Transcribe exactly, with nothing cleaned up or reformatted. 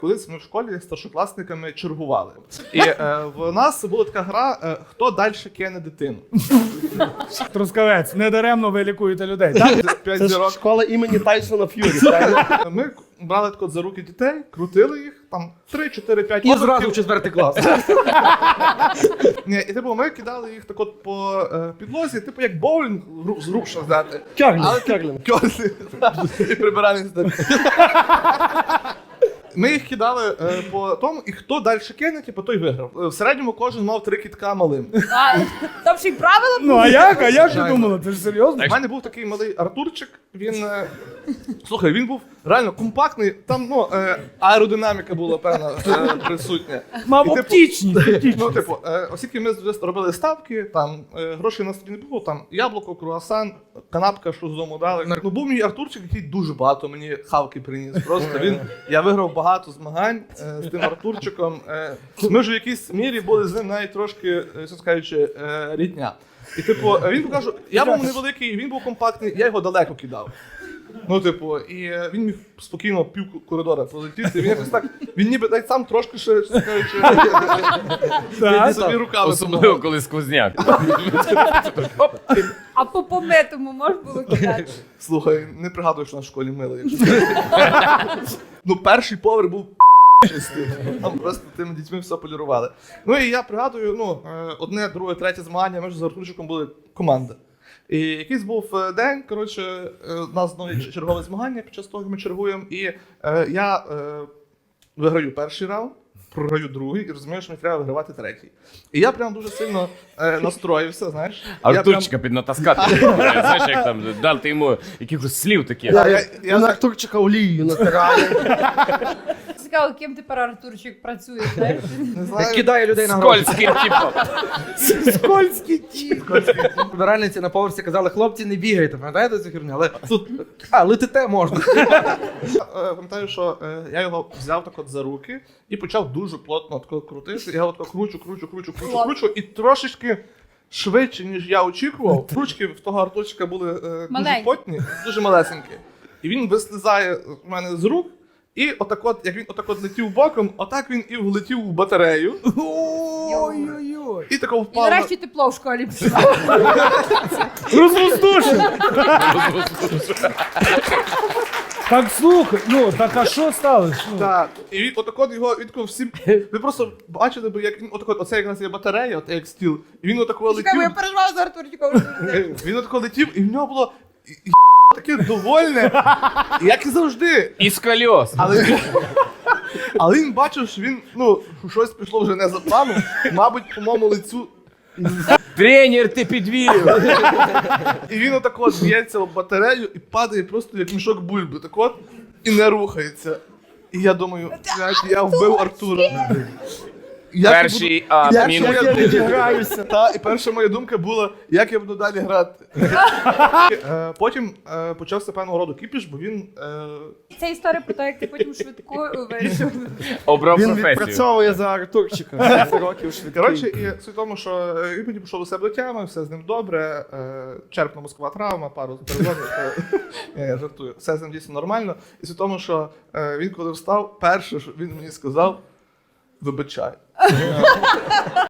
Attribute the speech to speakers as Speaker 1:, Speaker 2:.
Speaker 1: Колись ми в школі з старшокласниками чергували. І е, в нас була така гра е, «Хто далі кине дитину?».
Speaker 2: Трускавець, недаремно ви лікуєте людей. Так?
Speaker 1: П'ять
Speaker 3: Це ж
Speaker 1: зірок.
Speaker 3: школа імені Тайсона Ф'юрі, правильно?
Speaker 1: Ми брали так от за руки дітей, крутили їх, там три, чотири, п'ять
Speaker 4: І зразу в четвертий клас.
Speaker 1: Ні, і типу ми кидали їх так от по е, підлозі, типу як боулінг гру- з рук що взяти.
Speaker 3: Керлін,
Speaker 1: Але
Speaker 3: керлін.
Speaker 1: Кьоси. І прибиральниць. Ми їх кидали е, по тому, і хто далі кине, типу, той виграв. Е, В середньому кожен мав три кітка малим.
Speaker 5: А, там ще й правила
Speaker 2: Ну а як? А як ти думала? Ти ж серйозно?
Speaker 1: У мене був такий малий Артурчик, він, е, слухай, він був реально компактний, там, ну, е, аеродинаміка була, певна, е, присутня.
Speaker 2: Мав
Speaker 1: І, типу,
Speaker 2: оптічність. оптічність.
Speaker 1: Ну, типу, е, оскільки ми вже робили ставки, там е, грошей на столі не було, там яблуко, круасан, канапка, що з дому дали. Ну, був мій Артурчик, який дуже багато мені хавки приніс. Просто він, я виграв багато змагань е, з тим Артурчиком. Е, ми вже в якійсь мірі були з ним навіть трошки, е, що скажучи, е, рідня. І типу, він покаже, я був невеликий, він був компактний, я його далеко кидав. Ну, типу, і е, він міг спокійно пів коридора пролетіти. Він якось так, він ніби так сам трошки ще, що скажучи,
Speaker 2: Так.
Speaker 1: собі руками
Speaker 6: Особливо,
Speaker 1: допомагав.
Speaker 6: коли сквозняк.
Speaker 5: А по помитому можна було кидати?
Speaker 1: Слухай, не пригадую, що на школі мили. Якщо ну, перший поверх був чистий. Там просто тими дітьми все полірували. Ну і я пригадую, ну, е, одне, друге, третє змагання, ми ж з Артурчиком були команда. І якийсь був е, день, коротше, е, у нас знову є чергове змагання, під час того як ми чергуємо, і е, я е, виграю перший раунд, програю другий, і розумію, що мені треба вигравати третій. І я прям дуже сильно е, настроївся, знаєш. Я
Speaker 6: Артурчика піднатаскати. Знаєш, як там дати йому якихось слів таких.
Speaker 1: прям- Я, я, я,
Speaker 3: Я на Артурчика олією натираю.
Speaker 5: Цікаво, ким тепер Артурчик працює, знаєш?
Speaker 1: не знаю.
Speaker 4: Кидає людей на гроші.
Speaker 6: Скользький типу.
Speaker 2: Скользький ті.
Speaker 4: Прибиральниці на поверсі казали, хлопці, не бігайте, пам'ятаєте цю херню? Але тут, а, летите можна.
Speaker 1: Е, Пам'ятаю, що е, я його взяв так от за руки і почав дуже плотно тако крутити. Я його тако кручу, кручу, кручу, кручу, кручу, і трошечки швидше, ніж я очікував. Ручки в того Артурчика були е, дуже
Speaker 5: Маленькі.
Speaker 1: потні, дуже малесенькі. І він вислизає в мене з рук, і отак от, як він отак от летів боком, отак він і влетів у батарею.
Speaker 2: Ой-ой-ой.
Speaker 1: І тако
Speaker 5: І
Speaker 1: впав. на-
Speaker 5: нарешті тепло в школі пішло.
Speaker 2: Розвоздушив. Так слухай, ну так а що сталося? Ну,
Speaker 1: Так, і він отак от його він тако всім. Ви просто бачили б, як він отак от, оце якраз є батарея, от як стіл, і він отак от
Speaker 5: Чекай, бо я
Speaker 1: летів.
Speaker 5: переживаю за Артурчиком.
Speaker 1: Він отако летів, і в нього було і- і таке довольне, як і завжди.
Speaker 6: Із кольос.
Speaker 1: Але він, але він бачив, що він, ну, щось пішло вже не за планом, мабуть, по моєму лицю.
Speaker 6: Тренер, ти підвів.
Speaker 1: І він отак от б'ється в батарею і падає просто як мішок бульби, так от, і не рухається. І я думаю, блядь, я вбив Артура. Як я
Speaker 6: Перший
Speaker 1: буду-
Speaker 6: а,
Speaker 1: як
Speaker 6: мінус.
Speaker 1: я буду-
Speaker 3: Відіграюся.
Speaker 1: Та, і перша моя думка була, як я буду далі грати. Е, Потім е, почався певного роду кіпіш, бо він е,
Speaker 5: Це історія про те, як ти потім швидко вирішив.
Speaker 6: Обрав
Speaker 3: Він
Speaker 6: професію.
Speaker 3: відпрацьовує за Артурчика. Сім років швидкий.
Speaker 1: Коротше, і суть в тому, що е, він потім пішов до себе до тями, все з ним добре, е, черепно-мозкова травма, пару переломів. е, Ні, я жартую. Все з ним дійсно нормально. І суть в тому, що е, він коли встав, перше, що він мені сказав, вибачай.